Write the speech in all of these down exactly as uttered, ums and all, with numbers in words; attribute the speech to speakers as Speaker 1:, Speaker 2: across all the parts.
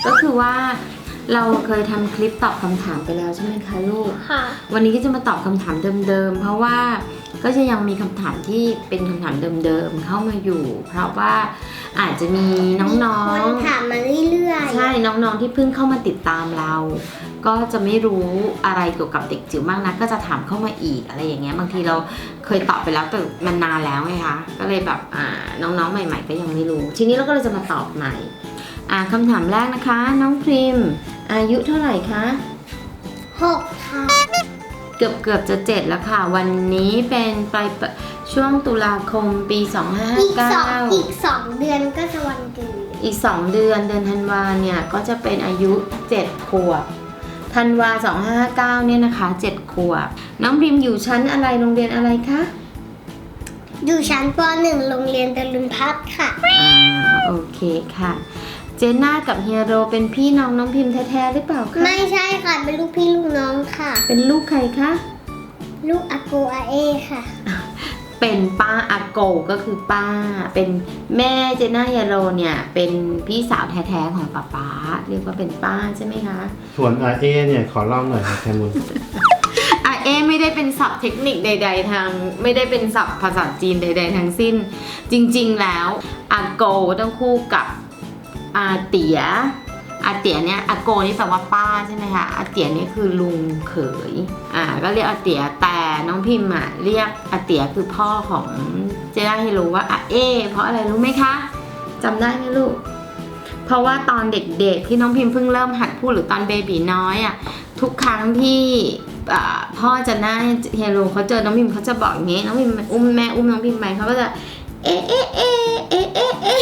Speaker 1: ก็คือว่าเราเคยทำคลิปตอบคำถามไปแล้วใช่ไหมคะลูก
Speaker 2: ค่ะ
Speaker 1: วันนี้ก็จะมาตอบคำถามเดิมๆเพราะว่าก็จะยังมีคำถามที่เป็นคำถามเดิมๆเข้ามาอยู่เพราะว่าอาจจะมีน้องๆ
Speaker 2: คนถามมาเรื่อยๆ
Speaker 1: ใช่น้องๆที่เพิ่งเข้ามาติดตามเราก็จะไม่รู้อะไรเกี่ยวกับเด็กจิ๋วมากนะก็จะถามเข้ามาอีกอะไรอย่างเงี้ยบางทีเราเคยตอบไปแล้วแต่มันนานแล้วไงคะก็เลยแบบอ่าน้องๆใหม่ๆก็ยังไม่รู้ทีนี้เราก็เลยจะมาตอบใหม่อ่าคำถามแรกนะคะน้องพริมอายุเท่าไหร่คะ
Speaker 2: หกค่ะ
Speaker 1: เกือบเกือบจะเจ็ดแล้วค่ะวันนี้เป็นปลายช่วงตุลาคมปีสองห้าห้าเก้า
Speaker 2: อีกสองเดือนก็จะวันเกิด
Speaker 1: อีกสองเดือนเดือนธันวาเนี่ยก็จะเป็นอายุเจ็ดขวบธันวาสองห้าห้าเก้าเนี่ยนะคะเจ็ดขวบน้องพริมอยู่ชั้นอะไรโรงเรียนอะไรคะ
Speaker 2: อยู่ชั้นป หนึ่ง โรงเรียนตะลุนพัฒน์ค่ะ
Speaker 1: อ่าโอเคค่ะเจน่ากับเฮียโรเป็นพี่น้องน้องพิมแท้ๆหรือเปล่าคะ
Speaker 2: ไม่ใช่ค่ะเป็นลูกพี่ลูกน้องค่ะ
Speaker 1: เป็นลูกใครคะ
Speaker 2: ลูกอาโกอาเอค่ะ
Speaker 1: เป็นป้าอาโกก็คือป้าเป็นแม่เจน่าเฮียโรเนี่ยเป็นพี่สาวแท้ๆของป๊าป๊าเรียกว่าเป็นป้าใช่ไหมคะ
Speaker 3: ส่วนอาเอเนี่ยขอเล่าหน่อยครับแคมุน
Speaker 1: อาเอไม่ได้เป็นศัพท์เทคนิคใดๆทางไม่ได้เป็นศัพท์ภาษาจีนใดๆทั้งสิ้นจริงๆแล้วอาโกต้องคู่กับอาเตียอาเตียเนี่ยอาโกนี่แปลว่าป้าใช่ไหมคะอาเตียนี่คือลุงเขยอ่าก็เรียกอาเตียแต่น้องพิมพ์อ่ะเรียกอาเตียคือพ่อของเจน่าให้รู้ว่าอาเอเพราะอะไรรู้ไหมคะจำได้ไหมลูกเพราะว่าตอนเด็กๆที่น้องพิมพ์เพิ่งเริ่มหัดพูดหรือตอนเบบีน้อยอ่ะทุกครั้งที่พ่อจะหน้าเฮโรเขาเจอน้องพิมพ์เขาจะบอกอย่างนี้น้องพิมพ์อุ้มแม่อุ้มน้องพิมพ์ไปเขาก็จะเอ๊ะเอ๊ะเอ๊ะเอ๊ะเอ๊ะเอ๊ะ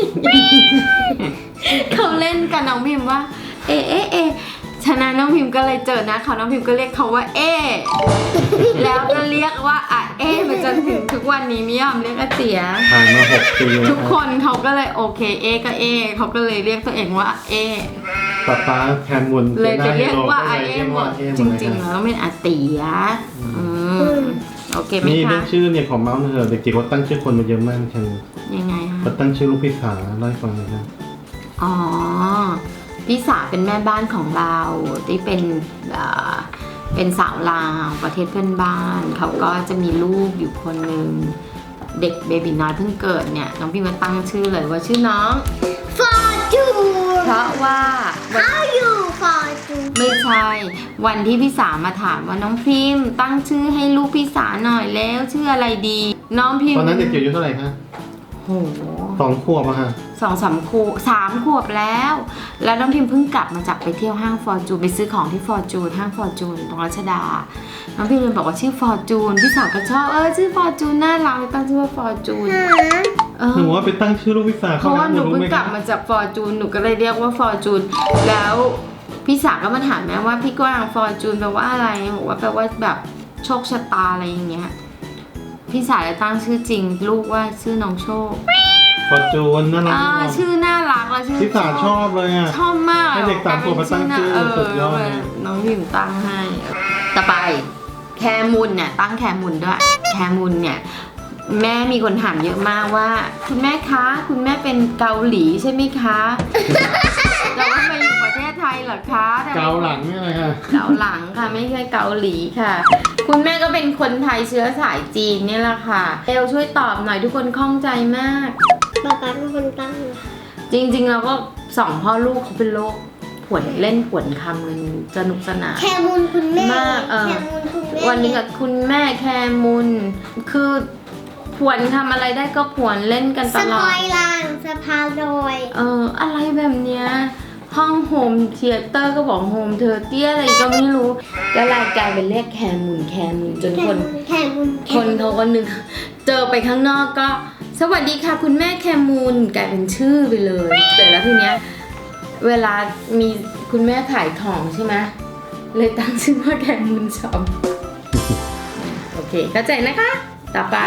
Speaker 1: เขาเล่นกับน้องพิมพ์ว่าเอ๊ะเอ๊ะเอ๊ะฉะนั้นน้องพิมพ์ก็เลยเจอนะเขาน้องพิมพ์ก็เรียกเขาว่าเอ๊ะแล้วก็เรียกว่าอ่ะเอ๊ะมาจนถึงทุกวันนี้ไม่ยอมเรียกอาเตีย
Speaker 3: ผ่านมาหกปี
Speaker 1: ทุกคนเขาก็เลยโอเคเอ๊ะก็เอ๊ะเขาก็เลยเรียกตัวเองว่าเอ๊ะ
Speaker 3: ป๊าป๊าแคมุน
Speaker 1: เลยไปเรียกว่าอาเอ๊ะหมดจริงๆแล้วเป็นอาเตียอืมโอเคไหมคะ
Speaker 3: นี่เรื่องชื่อเนี่ยของเมาส์เธอเด็กจิ๋วเขาตั้งชื่อคนมาเยอะมากแคมุน
Speaker 1: ยังไงคะ
Speaker 3: เขาตั้งชื่อลูกพี่สาวเล่าให้ฟังหน่อยครับ
Speaker 1: อ๋อพี่สาวเป็นแม่บ้านของเราที่เป็นเป็นสาวลาวประเทศเพื่อนบ้านเขาก็จะมีลูกอยู่คนหนึ่งเด็กเบบีน้อยเพิ่งเกิดเนี่ยน้องพี่มาตั้งชื่อเลยว่าชื่อน้อง
Speaker 2: ฟอร์จูน
Speaker 1: เพราะว่า
Speaker 2: เขาอยู่ฟอร์จูน
Speaker 1: ไม่ใช่วันที่พี่สาวมาถามว่าน้องพิมตั้งชื่อให้ลูกพี่สาวหน่อยแล้วชื่ออะไรดีน้องพิม
Speaker 3: ตอนนั้นเด็กจิ๋วอายุเท่าไหร่คะ
Speaker 1: โห
Speaker 3: สองขวบอะค่ะ
Speaker 1: สองสามขวบสามขวบแล้วแล้วน้องพิมเพิ่งกลับมาจากไปเที่ยวห้างฟอร์จูนไปซื้อของที่ฟอร์จูนห้างฟอร์จูนตรงรัชดาน้องพิมเลยบอกว่าชื่อฟอร์จูนพี่สาวก็ชอบเออชื่อฟอร์จูนน่ารักตั้งชื่อว่าฟอร์จูน
Speaker 3: หนูว่าไปตั้งชื่อลูกพี่สาว
Speaker 1: เพราะว่าหนูเพิ่งกลับมาจากฟอร์จูนหนูก็เลยเรียกว่าฟอร์จูนแล้วพี่สาวก็มาถามแม่ว่าพี่กวางฟอร์จูนแปลว่าอะไรบอกว่าแปลว่าแบบโชคชะตาอะไรอย่างเงี้ยพี่สาวเลยตั้งชื่อจริงลูกว่าชื่อน้องโชค
Speaker 3: ฟอร์จูนน่ารัก
Speaker 1: ชื่อน่ารักแล้วชื่อ
Speaker 3: พี่สาวชอบเลยอ่ะ
Speaker 1: ชอบมาก
Speaker 3: ให้เด็กสามขวบมาตั้งชื่อสุดยอดเลย
Speaker 1: น้องพิมตั้งให้ต่อไปแคมุนเนี่ยตั้งแคมุนด้วยแคมุนเนี่ยแม่มีคนถามเยอะมากว่าคุณแม่คะคุณแม่เป็นเกาหลีใช่ไหมคะเราก็มาอยู่ประเทศไทยเหรอคะ
Speaker 3: เกาหลังนี่อะไรคะ
Speaker 1: เกาหลังค่ะไม่ใช่เกาหลีค่ะคุณแม่ก็เป็นคนไทยเชื้อสายจีนนี่แหละค่ะเอลช่วยตอบหน่อยทุกคนข้องใจมาก
Speaker 2: ป๊าป๊าเป็นคนตั้ง
Speaker 1: จริงๆเราก็สองพ่อลูกเขาเป็นโรคผวนเล่นผวนคำกันสนุกสนาน
Speaker 2: แคมุนคุณแม่
Speaker 1: มากเออวันนี้กับคุณแม่แคมุนคือผวนทำอะไรได้ก็ผวนเล่นกันตลอด
Speaker 2: สปอยล์ลางสะพานลอย
Speaker 1: เอออะไรแบบเนี้ยห้องโฮมเธียเตอร์ก็บอกโฮมเธอเตี้ยอะไรก็ไม่รู้ก็รายกลายเป็นเรียกแคมุนแคมุนจนคนคนเขาก็นึกเจอไปข้างนอกก็สวัสดีค่ะคุณแม่แคมุนกลายเป็นชื่อไปเลยแต่แล้วทีเนี้ยเวลามีคุณแม่ขายของใช่ไหมเลยตั้งชื่อว่าแคมุนช็อปโอเคเข้าใจนะคะต่อไป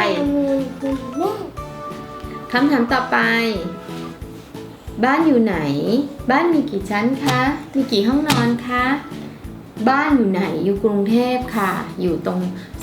Speaker 1: คำถามต่อไปบ้านอยู่ไหนบ้านมีกี่ชั้นคะมีกี่ห้องนอนคะบ้านอยู่ไหนอยู่กรุงเทพค่ะอยู่ตรง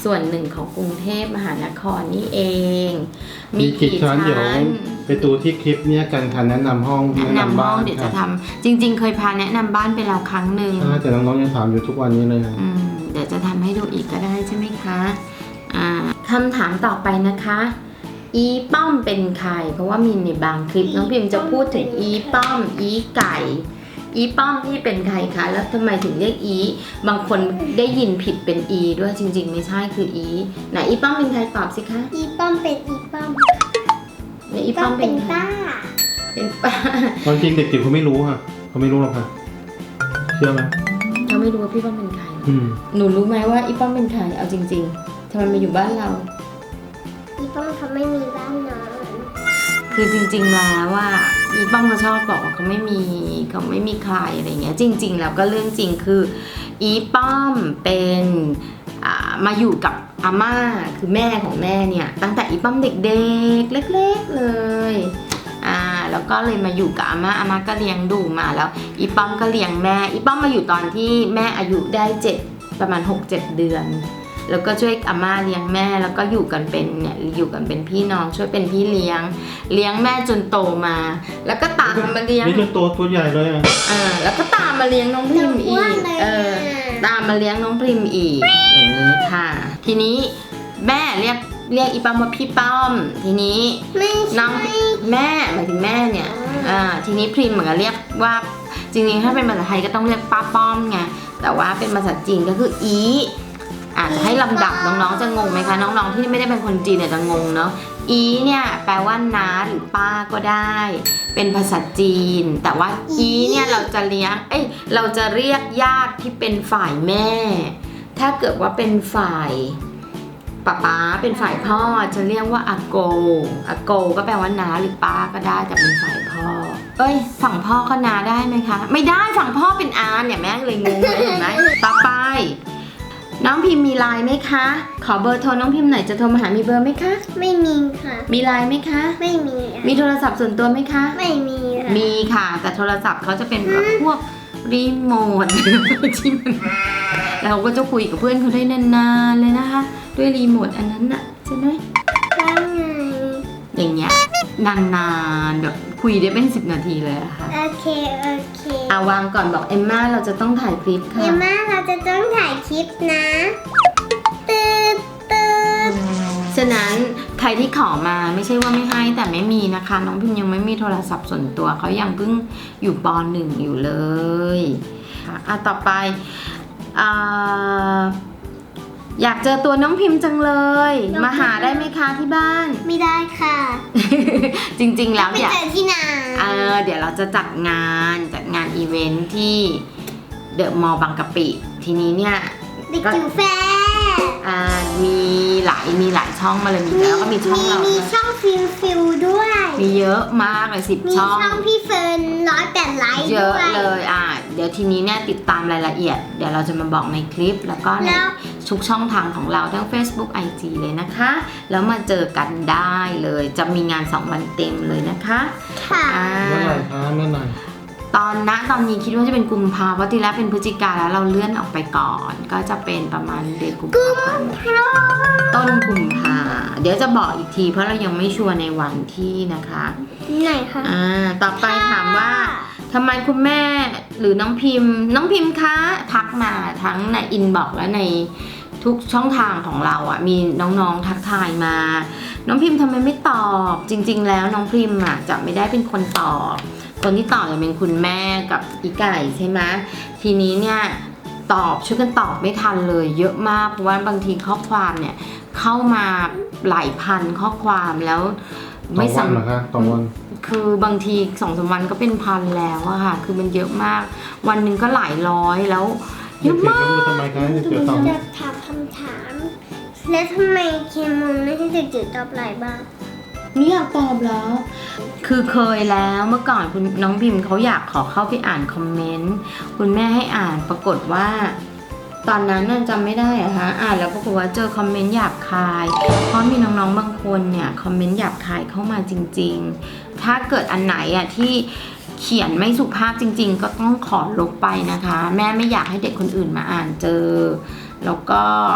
Speaker 1: ส่วนหนึ่งของกรุงเทพมหานครนี่เอง
Speaker 3: มีกี่ชั้นเดี๋ยวไปดูที่คลิปเนี้ยกันค่ะแนะนำห้อง
Speaker 1: แนะนำห้องเดี๋ยวจะทำจริงๆ เคยพาแนะนำบ้านไปแล้วครั้งหนึ่ง
Speaker 3: ใช่แต่น้องๆยังถามอยู่ทุกวันนี้เลยนะ
Speaker 1: อืมเดี๋ยวจะทำให้ดูอีกก็ได้ใช่ไหมคะอ่าคำถามต่อไปนะคะ อีป้อมเป็นใครเพราะว่ามีในบางคลิปน้องพิมจะพูดถึงอีป้อม อีไก่ อีป้อมนี่เป็นใครคะแล้วทำไมถึงเรียกอีบางคนได้ยินผิดเป็นอีด้วยจริงๆไม่ใช่คืออีไหนอีป้อมเป็นใครตอบสิคะ
Speaker 2: อีป้อมเป็นอีป้อม
Speaker 1: แล้วอีป้อมเป็นใคร
Speaker 2: ป้า
Speaker 1: เป็นป้า
Speaker 3: ตอนจริงเด็กจิ๋วเขาไม่รู้ค่ะเขาไม่รู้หรอกค่ะเชื่อไหม
Speaker 1: เขาไม่รู้ว่าพี่ป้อมเป็นใคร
Speaker 3: อืม
Speaker 1: หนูรู้ไหมว่าอีป้อมเป็นใครเอาจริงๆทำไมมาอยู่บ้านเรา
Speaker 2: อีป้อมเขาไม่มีบ้านนอน
Speaker 1: คือจริงๆแล้วว่าอีป้อมเขาชอบบอกว่าเขาไม่มีเขาไม่มีใครอะไรเงี้ยจริงๆแล้วก็เรื่องจริงคืออีป้อมเป็นอ่ามาอยู่กับอาม่าคือแม่ของแม่เนี่ยตั้งแต่อีป้อมเด็กๆเล็กๆเลยอ่าแล้วก็เลยมาอยู่กับอาม่าอาม่าก็เลี้ยงดูมาแล้วอีป้อมก็เลี้ยงแม่อีป้อมมาอยู่ตอนที่แม่อายุได้เจ็ดประมาณ หกเจ็ด เดือนแล้วก็ช่วยอาม่าเลี้ยงแม่แล้วก็อยู่กันเป็นเนี่ยอยู่กันเป็นพี่น้องช่วยเป็นพี่เลี้ยงเลี้ยงแม่จนโตมา แล้วก็ตามมาเลี้ยง
Speaker 3: นี่จนโตตัวใหญ่เลยอ่ะ
Speaker 1: เออแล้วก็ตามมาเลี้ยงน้องพริมอีกเออตามมาเลี้ยงน้องพริมอีกอย่างนี้ค่ะ ทีนี้แม่เรียกเรียกอีป้อมว่าพี่ป้อมทีนี้
Speaker 2: ไม่
Speaker 1: น้
Speaker 2: ใช่
Speaker 1: องแม่หมายถึงแม่เนี่ยอ่าทีนี้พริมเหมือนกับเรียกว่าจริงๆถ้าเป็นภาษาไทยก็ต้องเรียกป้าป้อมไงแต่ว่าเป็นภาษาจีนก็คืออีอาจจะให้ลำดับน้องๆจะงงไหมคะน้องๆที่ไม่ได้เป็นคนจีนเนี่ยจะงงเนาะอีเนี่ยแปลว่าน้าหรือป้าก็ได้ เป็นภาษาจีน แต่ว่าอีเนี่ยเราจะเลี้ยงเอ้ยเราจะเรียกญาติที่เป็นฝ่ายแม่ ถ้าเกิดว่าเป็นฝ่ายป๊าป๊าเป็นฝ่ายพ่อจะเรียกว่าอาโกอาโกก็แปลว่าน้าหรือป้าก็ได้แต่เป็นฝ่ายพ่อเอ้ยฝั่งพ่อก็น้าได้ไหมคะไม่ได้ฝั่งพ่อเป็นอาเนี่ยแม่เลยงงเลยเห็นไหมต่อไปน้องพิมพ์มีไลน์ไหมคะขอเบอร์โทรน้องพิมพ์หน่อยจะโทรมาหามีเบอร์ไหมคะ
Speaker 2: ไม่มีค่ะ
Speaker 1: มีไลน์ไหมคะ
Speaker 2: ไม่มีอะ
Speaker 1: มีโทรศัพท์ส่วนตัวไหมคะ
Speaker 2: ไม่มีค่ะ
Speaker 1: มีค่ะ แต่โทรศัพท์เขาจะเป็นแบบพวกรีโมท ที่มันเราก็จะคุยกับเพื่อนเขาได้นานๆเลยนะคะ ด้วยรีโมทอันนั้นน่ะใช่ไหม
Speaker 2: ว่าไง
Speaker 1: อย่างเงี้ยนานๆแบบคุยได้เป็นสิบนาทีเลยอะค่ะ
Speaker 2: โอเคโอเค
Speaker 1: เอาวางก่อนบอกเอมม่าเราจะต้องถ่ายคลิปค่ะ
Speaker 2: เดี๋ยวมาเราจะต้องถ่ายคลิปนะตืดตืด
Speaker 1: ฉะนั้นใครที่ขอมาไม่ใช่ว่าไม่ให้แต่ไม่มีนะคะน้องพิมยังไม่มีโทรศัพท์ส่วนตัวเขายังเพิ่งอยู่ปหนึ่งอยู่เลยค่ะอ่ะต่อไปอ่าอยากเจอตัวน้องพิมพ์จังเลย มาหาได้ไหมคะที่บ้าน
Speaker 2: ไม่ได้ค่ะ
Speaker 1: จริงๆแล้ว
Speaker 2: ไป
Speaker 1: เดี๋ยว
Speaker 2: เจอที่ไหน
Speaker 1: เออเดี๋ยวเราจะจัดงานจัดงานอีเวนท์ที่เดอะมอลล์บางกะปิทีนี้เนี่ย
Speaker 2: เด็กจิ๋วแฟร์
Speaker 1: อ่ามีหลายมีหลายช่องมาเลยมีแล้วก็มีช่องเรา
Speaker 2: มี
Speaker 1: ด้วย
Speaker 2: ช่องฟิลฟิลด้วย
Speaker 1: มีเยอะมากเลยสิบ
Speaker 2: มี
Speaker 1: ช่อง
Speaker 2: ช่องพี่เฟิร์นร้อยแปดไลค์
Speaker 1: เย
Speaker 2: ด้
Speaker 1: อะ
Speaker 2: วย
Speaker 1: เลยอ่ะเดี๋ยวทีนี้เนี่ยติดตามรายละเอียด เดี๋ยวเราจะมาบอกในคลิปแล้วก็ใน
Speaker 2: แล้ว
Speaker 1: ทุกช่องทางของเราทั้ง Facebook ไอ จี เลยนะคะ แล้วมาเจอกันได้เลย จะมีงานสองวันเต็มเลยนะคะ
Speaker 2: ค่ะ
Speaker 1: อ่า
Speaker 3: เมื่อไหร่คะเมื่อไหร่
Speaker 1: ตอนนะตอนนี้คิดว่าจะเป็นกุมภาเพราะทีแรกเป็นพฤศจิกาแล้วเราเลื่อนออกไปก่อน ก็จะเป็นประมาณเดือนกุมภาพันธ์ต้นกุมภาเดี๋ยวจะบอกอีกทีเพราะเรายังไม่ชัวร์ในวันที่นะคะ
Speaker 2: ไหนคะ
Speaker 1: อ่าต่อไปถามว่าทำไมคุณแม่หรือน้องพิมพ์ น้องพิมพ์คะทักมาทั้งในอินบ็อกซ์และในทุกช่องทางของเราอ่ะมีน้องๆทักทายมา น้องพิมพ์ทำไมไม่ตอบจริงๆแล้วน้องพิมพ์อ่ะจะไม่ได้เป็นคนตอบคนที่ตอบจะเป็นคุณแม่กับอีไก่ใช่ไหมทีนี้เนี่ยตอบช่วยกันตอบไม่ทันเลยเยอะมากเพราะว่าบางทีข้อความเนี่ยเข้ามาหลายพันข้อความแล้ว
Speaker 3: ต่อ
Speaker 1: ไม่
Speaker 3: วัน
Speaker 1: สำ
Speaker 3: เหรอคะต่อวัน
Speaker 1: คือบางทีสองสามวันก็เป็นพันแล้วอะค่ะ คือมันเยอะมาก วันหนึ่งก็หลายร้อยแล้วเย
Speaker 3: เด็ก
Speaker 1: อะ
Speaker 3: จิ๋ว
Speaker 1: มาก
Speaker 3: ก็รู้ทำไมคะเด็กจิ๋วตอบ
Speaker 2: จะถามคำถาม แล้วทำไมเคมูนไม่ให้เด็กจิ๋วตอบหลายบ้าง
Speaker 1: นี่อยากตอบแล้ว คือเคยแล้วเมื่อก่อนคุณน้องพิมพ์เขาอยากขอเข้าไปอ่านคอมเมนต์ คุณแม่ให้อ่านปรากฏว่า ตอนนั้นน่ะจำไม่ได้อะคะอ่านแล้วปรากฏว่าเจอคอมเมนต์หยาบคาย เพราะมีน้องๆบางคนเนี่ยคอมเมนต์หยาบคายเข้ามาจริงๆ ถ้าเกิดอันไหนอะที่เขียนไม่สุภาพจริงๆ ก็ต้องขอลบไปนะคะ แม่ไม่อยากให้เด็กคนอื่นมาอ่านเจอ แล้วก็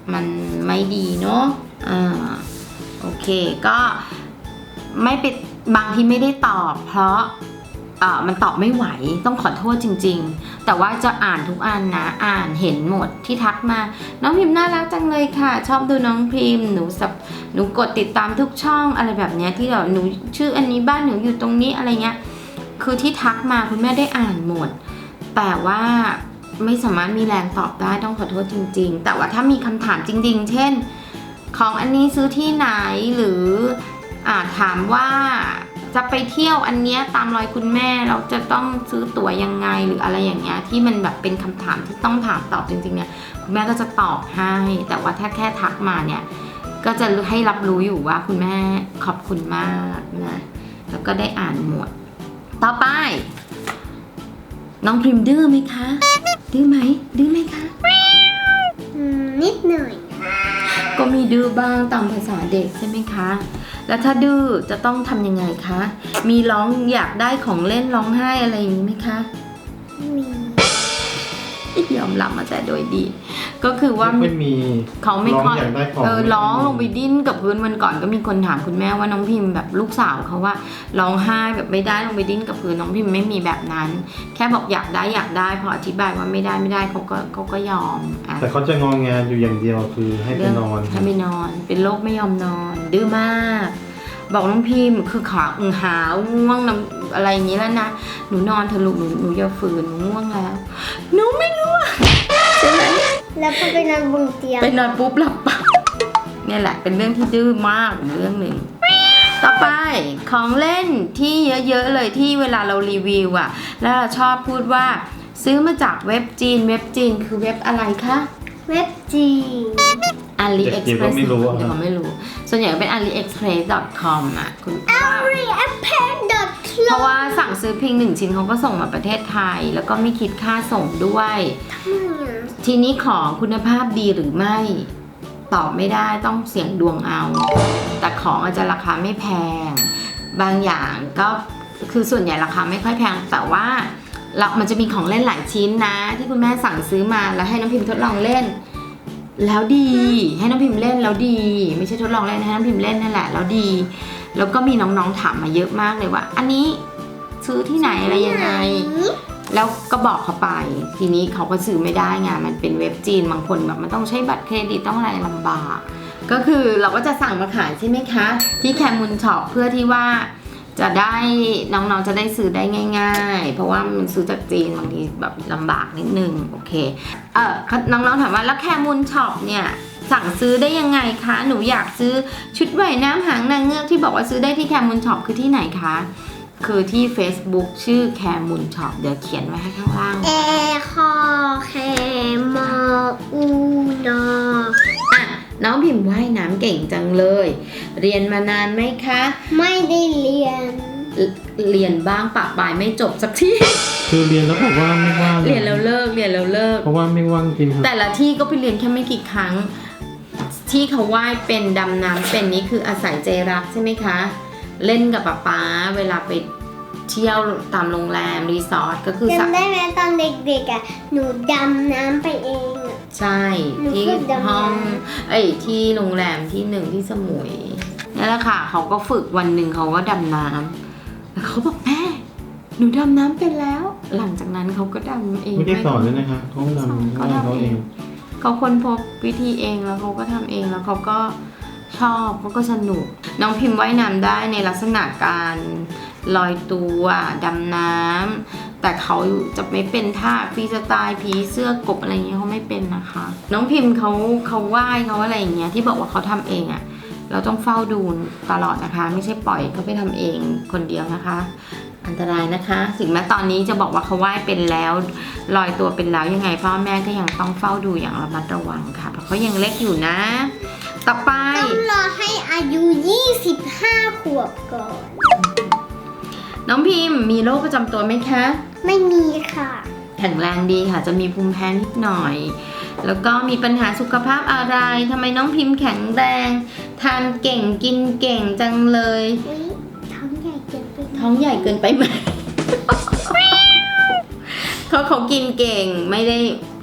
Speaker 1: มันไม่ดีเนาะอ่าโอเคก็ไม่เป็นบางทีไม่ได้ตอบเพราะอ่ามันตอบไม่ไหวต้องขอโทษจริงๆแต่ว่าจะอ่านทุกอันนะอ่านเห็นหมดที่ทักมาน้องพิมพ์น่ารักจังเลยค่ะชอบดูน้องพิมพ์หนูสับหนูกดติดตามทุกช่องอะไรแบบเนี้ยที่แบบหนูชื่ออันนี้บ้านหนูอยู่ตรงนี้อะไรเงี้ยคือที่ทักมาคุณแม่ได้อ่านหมดแต่ว่าไม่สามารถมีแรงตอบได้ต้องขอโทษจริงๆแต่ว่าถ้ามีคำถามจริงๆเช่นของอันนี้ซื้อที่ไหนหรืออ่าถามว่าจะไปเที่ยวอันเนี้ยตามรอยคุณแม่เราจะต้องซื้อตั๋วยังไงหรืออะไรอย่างเงี้ยที่มันแบบเป็นคำถามที่ต้องถามตอบจริงๆเนี่ยคุณแม่ก็จะตอบให้แต่ว่าถ้าแค่ทักมาเนี่ยก็จะให้รับรู้อยู่ว่าคุณแม่ขอบคุณมากนะแล้วก็ได้อ่านหมดต่อไปน้องพิมพ์ดื้อไหมคะดื้อไหมดื้อไหมคะ
Speaker 2: อืมนิดหน่อย
Speaker 1: ก็มีดื้อบ้างตามภาษาเด็กใช่ไหมคะแล้วถ้าดื้อจะต้องทำยังไงคะมีร้องอยากได้ของเล่นร้องไห้อะไรอย่างนี้ไหมคะ
Speaker 2: มี
Speaker 1: ยอมรับมาแต่โดยดีก็คือว่า
Speaker 3: ไม่มี
Speaker 1: เขาไม่ค่อย
Speaker 3: ร้องอยากได้ของ
Speaker 1: เออร้องลงไปดิ้นกับพื้นวันก่อนก็มีคนถามคุณแม่ว่าน้องพิมพ์แบบลูกสาวเขาว่าร้องไห้แบบไม่ได้ลงไปดิ้นกับพื้นน้องพิมพ์ไม่มีแบบนั้น แค่บอกอยากได้อยากได้พออธิบายว่าไม่ได้ไม่ได้เขาก็เขาก็ยอมอ่ะ
Speaker 3: แต่เขาจะงองแงอยู่อย่างเดียวคือให้ไปนอน
Speaker 1: ให้ไปนอนเป็นโรคไม่ยอมนอนดื้อมากบอกน้องพิมพ์คือขาอึงหาวง่วงน้ำอะไรอย่างนี้แล้วนะหนูนอนเถอะลูกหนูหนูอย่าฝืนหนูง่วงแล้วหนูไม่ง่วงใช่ไหม
Speaker 2: แล้วพอไปนอนบนเตียง
Speaker 1: ไปนอนปุ๊บหลับปั๊บเนี่ยแหละเป็นเรื่องที่ดื้อมากเรื่องหนึ่งต่อไปของเล่นที่เยอะๆเลยที่เวลาเรารีวิวอะแล้วเราชอบพูดว่าซื้อมาจากเว็บจีนเว็บจีนคือเว็บอะไรคะ
Speaker 2: เว็บจีน
Speaker 1: AliExpress
Speaker 3: เด็กๆก็ไม่รู้อะ
Speaker 1: เดี๋ยวเขาไม่รู้ส่วนใหญ่ก็เป็น อาลีเอ็กซ์เพรส ดอท คอม อ่ะคุณ
Speaker 2: AliExpress
Speaker 1: เพราะว่าสั่งซื้อเพียงหนึ่งชิ้นเขาก็ส่งมาประเทศไทย แล้วก็ไม่คิดค่าส่งด้วย ทีนี้ของคุณภาพดีหรือไม่ตอบไม่ได้ต้องเสี่ยงดวงเอา แต่ของอาจจะราคาไม่แพง บางอย่างก็คือส่วนใหญ่ราคาไม่ค่อยแพงแต่ว่าเรามันจะมีของเล่นหลายชิ้นนะ ที่คุณแม่สั่งซื้อมาแล้วให้น้องพิมพ์ทดลองเล่น แล้วดีให้น้องพิมพ์เล่นแล้วดี ไม่ใช่ทดลองเล่นให้น้องพิมพ์เล่นนั่นแหละแล้วดี แล้วก็มีน้องๆถามมาเยอะมากเลยว่า อันนี้ซื้อที่ไหนอะไรยังไง แล้วก็บอกเขาไปทีนี้เขาก็ซื้อไม่ได้ไงมันเป็นเว็บจีนบางคนแบบมันต้องใช้บัตรเครดิตต้องอะไรลำบากก็คือเราก็จะสั่งมาขายใช่ไหมคะที่แคมูลช็อปเพื่อที่ว่าจะได้น้องๆจะได้ซื้อได้ง่ายๆเพราะว่ามันซื้อจากจีนบางทีแบบลำบากนิดนึงโอเคเออน้องๆถามว่าแล้วแคมูลช็อปเนี่ยสั่งซื้อได้ยังไงคะหนูอยากซื้อชุดว่ายน้ำหางนางเงือกที่บอกว่าซื้อได้ที่แคมูลช็อปคือที่ไหนคะคือที่ Facebook ชื่อแคมูลช็อปเดี๋ยวเขียนไว้ให้ข้างล่าง
Speaker 2: เอคอแคมออูนอ
Speaker 1: อ่ะน้องพิมพ์ว่ายน้ำเก่งจังเลย เรียนมานานไหมคะ
Speaker 2: ไม่ได้เรียน
Speaker 1: เอ่อเรียนบ้างปะปลายไม่จบสักที
Speaker 3: คือเรียนแล้วบอกว่าไม่ว่าง
Speaker 1: เรียนแล้วเลิกเรียนแล้วเลิก
Speaker 3: เพราะว่าไม่ว่างจริงครับ
Speaker 1: แต่ละที่ก็ไปเรียนแค่ไม่กี่ครั้ง ที่เขาว่ายเป็นดำน้ำเป็นนี่คืออาศัยใจรักใช่ไหมคะ เล่นกับป๊าป๊าเวลาไปเที่ยวตามโรงแรมรีสอร์ทก็คือสระ
Speaker 2: จำได้ไหมตอนเด็กๆอ่ะหนูดำน้ำไปเองอ่ะ
Speaker 1: ใช่
Speaker 2: หนู
Speaker 1: ที่
Speaker 2: ฝึกดำน้ำ
Speaker 1: ห้องเอ้ยที่โรงแรมที่หนึ่งที่สมุยนั่นแหละค่ะเขาก็ฝึกวันหนึ่งเขาก็ดำน้ำแล้วเขาบอกแม่หนูดำน้ำเป็นแล้ว หลังจากนั้นเขาก็ดำเอง
Speaker 3: ไม่ได้สอนเลยนะคะเขาทำ
Speaker 1: เขา
Speaker 3: เขา
Speaker 1: ทำเอ
Speaker 3: เอง ง
Speaker 1: เขาค้นพบวิธีเองแล้วเขาก็ทำเองแล้วเขาก็ชอบเขาก็สนุกน้องพิมพ์ว่ายน้ำได้ในลักษณะการลอยตัวดำน้ำแต่เขาจะไม่เป็นท่าฟรีสไตล์ผีเสื้อกบอะไรเงี้ยเขาไม่เป็นนะคะ น้องพิมพ์เขาเขาว่ายเขาอะไรอย่างเงี้ยที่บอกว่าเขาทำเองอะ่ะเราต้องเฝ้าดูตลอดนะคะ ไม่ใช่ปล่อยเขาไปทำเองคนเดียวนะคะ อันตรายนะคะถึงแม้ตอนนี้จะบอกว่าเขาว่ายเป็นแล้วลอยตัวเป็นแล้วยังไงพ่อแม่ก็ยังต้องเฝ้าดูอย่างระมัดระวังค่ะเพราะเขายังเล็กอยู่นะ ต่อไป
Speaker 2: ต้องรอให้อายุยี่สิบห้าขวบก่อน
Speaker 1: น้องพิมพ์มีโรคประจำตัวไหมคะ
Speaker 2: ไม่มีค่ะ
Speaker 1: แข็งแรงดีค่ะจะมีภูมิแพ้นิดหน่อย แล้วก็มีปัญหาสุขภาพอะไรทำไมน้องพิมพ์แข็งแรงทานเก่งกินเก่งจังเลย
Speaker 2: อุ๊ยท้องใหญ่เกินไปไหม
Speaker 1: ท้องใหญ่เกินไปไหม เขาเขากินเก่งไม่ได้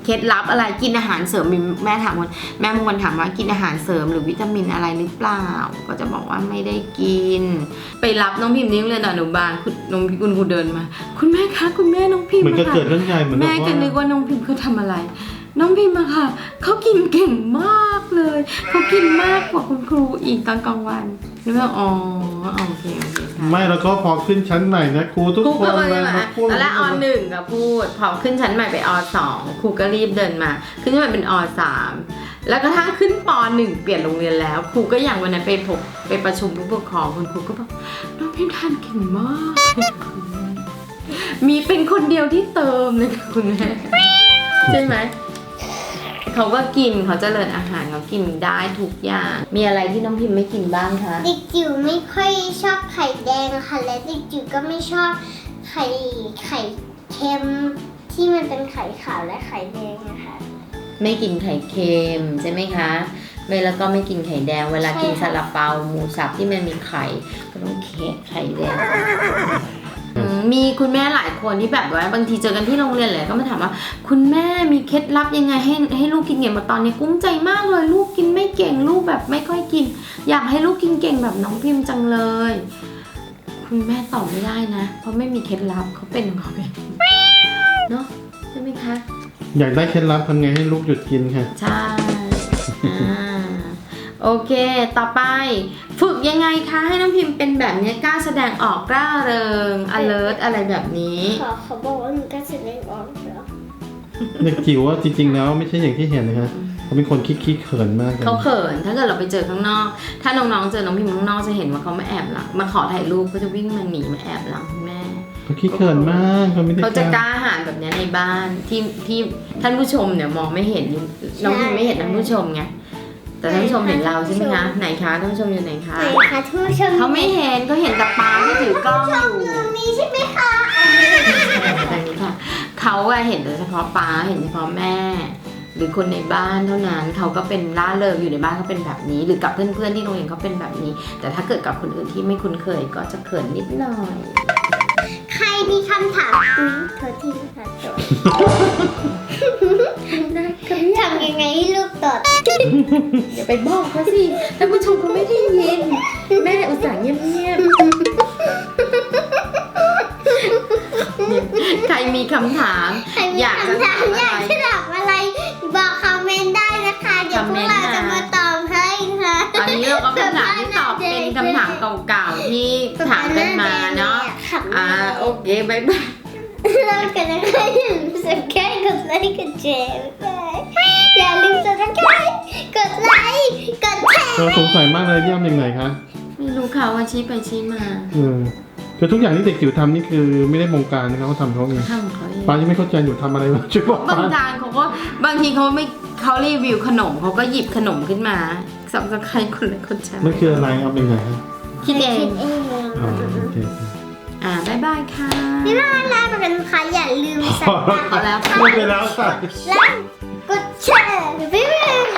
Speaker 1: เคล็ดลับอะไรกินอาหารเสริมมีแม่ถามคนแม่บางคนถามว่ากินอาหารเสริมหรือวิตามินอะไรหรือเปล่าก็จะบอกว่าไม่ได้กินไปรับน้องพิมพ์ที่โรงเรียนอนุบาลคุณน้องพิมพ์คุณครูเดินมา คุณแม่คะคุณแม่น้องพิมพ์
Speaker 3: เหมือนก็
Speaker 1: ค่ะ
Speaker 3: เกิดเรื่องใหญ่เหมือน
Speaker 1: แม่ก็นึกว่าน้องพิมพ์เขาทำอะไร น้องพิมพ์อะค่ะเขากินเก่งมากเลยเขากินมากกว่าคุณครูอีกตอนกลางวันนึกว่าอ๋อโอเคโอเคค่ะ
Speaker 3: ไม่แล้วก็พอขึ้นชั้นใหม่นะครูทุก
Speaker 1: ครู
Speaker 3: คน
Speaker 1: ก็เลย
Speaker 3: มา
Speaker 1: มา
Speaker 3: พูด
Speaker 1: ตอนแรกอหนึ่งก็พูดพอขึ้นชั้นใหม่ไปอสองครูก็รีบเดินมา ขึ้นชั้นใหม่เป็นอสามแล้วก็ทั้งขึ้นปหนึ่งเปลี่ยนโรงเรียนแล้วครูก็อย่างวันนั้นไปพบไปประชุมผู้ปกครองคุณครูก็บอกน้องพิมพ์ทานเก่งมากมีเป็นคนเดียวที่เติมเลยค่ะคุณแม่ใช่ไหมเขาก็กินเขาเจริญอาหารเขากินได้ทุกอย่างมีอะไรที่น้องพิมพ์ไม่กินบ้างคะ
Speaker 2: เด็กจิ๋วไม่ค่อยชอบไข่แดงค่ะและเด็กจิ๋วก็ไม่ชอบไข่ไข่เค็มที่มันเป็นไข่ขาวและไข่แดงนะคะ
Speaker 1: ไม่กินไข่เค็มใช่ไหมคะไม่แล้วก็ไม่กินไข่แดงเวลากิน
Speaker 2: ใช่
Speaker 1: ซา
Speaker 2: ค่ะ
Speaker 1: ลาเปาหมูสับที่มันมีไข่ก็ต้องเคะไข่แดงอืมมีคุณแม่หลายคนที่แบบว่าบางทีเจอกันที่โรงเรียนเลยก็มาถามว่าคุณแม่มีเคล็ดลับยังไงให้ให้ลูกกินเก่งมาตอนนี้กุ้มใจมากเลยลูกกินไม่เก่งลูกแบบไม่ค่อยกิน อยากให้ลูกกินเก่งแบบน้องพิมพ์จังเลย คุณแม่ตอบไม่ได้นะ เพราะไม่มีเคล็ดลับเขาเป็นของเขาเองเนาะใช่ไหมคะ
Speaker 3: อยากได้เคล็ดลับทำไงให้ลูกหยุดกินค่ะ
Speaker 1: ใช่อ่าโอเค ต่อไป ฝึกยังไงคะให้น้องพิมพ์เป็นแบบนี้กล้าแสดงออกกล้าเริง alert อะไรแบบนี้
Speaker 2: ขอเขาบอกว่าหนูก็แสดงออกเหรอ
Speaker 3: เด็กจิ๋วว่าจริงๆแล้วไม่ใช่อย่างที่เห็นนะคะเขาเป็นคนขี้ๆเขินมากเลย
Speaker 1: เขาเขิน ถ้าเกิดเราไปเจอข้างนอก ถ้าน้องๆเจอน้องพิมพ์ข้างนอกจะเห็นว่าเขามาแอบหลัง มาขอถ่ายรูปก็จะวิ่งมาหนีมาแอบหลังคุณแม่
Speaker 3: เขาขี้เขินมากเขาไม่ได้
Speaker 1: เขาจะก
Speaker 3: กล้า
Speaker 1: ล้าหาญแบบนี้ในบ้านที่ที่ท่านผู้ชมเนี่ยมองไม่เห็นน้องพิมพ์ไม่เห็นท่านผู้ชมไงแต่ท่านผู้ชมเห็นเราใช่ไหมคะไหนคะท่านผู้ชมอยู่ไหนคะ
Speaker 2: ไหนคะท่านผู้ชม
Speaker 1: เขาไม่เห็นเขาเห็นแต่ปาที่ถือกล้องอยู่
Speaker 2: ตรงนี้ใช่ไหมคะ
Speaker 1: แบบนี้ค่ะเขาอะเห็นแต่เฉพาะป้าเห็นเฉพาะแม่ หรือคนในบ้านเท่านั้นเขาก็เป็นล่าเริงอยู่ในบ้านเขาเป็นแบบนี้ หรือกับเพื่อนๆที่โรงเรียนเขาเป็นแบบนี้ แต่ถ้าเกิดกับคนอื่นที่ไม่คุ้นเคยก็จะเขินนิดหน่อย
Speaker 2: ใครมีคำถามอุ๊ยโทษทีนะคะตดทำยังไงให้ลูกตด
Speaker 1: อย่าไปบอกเขาสิท่านผู้ชมเขาไม่ได้ยินแม่อุตส่าห์เงียบๆใครมีคำถาม
Speaker 2: ใครมี
Speaker 1: อยากจะ
Speaker 2: คำถา
Speaker 1: ถาม ม
Speaker 2: อ
Speaker 1: อะ
Speaker 2: ยาก
Speaker 1: ไร
Speaker 2: จะถามอะไร บอกคอมเมนต์ได้นะคะ เดี๋ยวพวกเราจะมาตอบให้ค่ะ
Speaker 1: ตอนนี้เราก็คำถามที่ตอบเป็นคำถามเก่าๆที่ถามกันมาเนาะอ่าโอเคบายบาย
Speaker 2: เรากันนะคะอย่าลืมสับสไครต์กดไลค์กดแชร์อย่าลืมสับสไครต์กดไลค์กดแชร์
Speaker 3: เราสงสัยมากเลยที่ทำยังไงคะ
Speaker 1: ไม่รู้ค่ะว่าชี้ไปชี้มา
Speaker 3: เออคือทุกอย่างที่เด็กจิ๋วทำนี่คือไม่ได้บงการนะครับเขาทำเขาเอง
Speaker 1: ทำเขาเอง
Speaker 3: ป้ายังไม่เข้าใจอยู่ทำอะไรมาช่วยบอก
Speaker 1: บาง
Speaker 3: ป้า
Speaker 1: ทางเขาก็บางทีเขาไม่เขารีวิวขนมเขาก็หยิบขนมขึ้นมาสับสไครคนละคนใช้
Speaker 3: มันคืออะไรเอาเป็นไงฮะ
Speaker 1: คิดเอง
Speaker 2: เอง
Speaker 3: อ๋อโอเค
Speaker 1: อ่าบายบายค่ะ
Speaker 2: นี่น่ารักกันค่ะอย่าลืมสับสไครต์
Speaker 1: พอแล้วค่ะ
Speaker 3: พูดไปแล้วค่ะ
Speaker 2: และกดแชร์บ๊ายบาย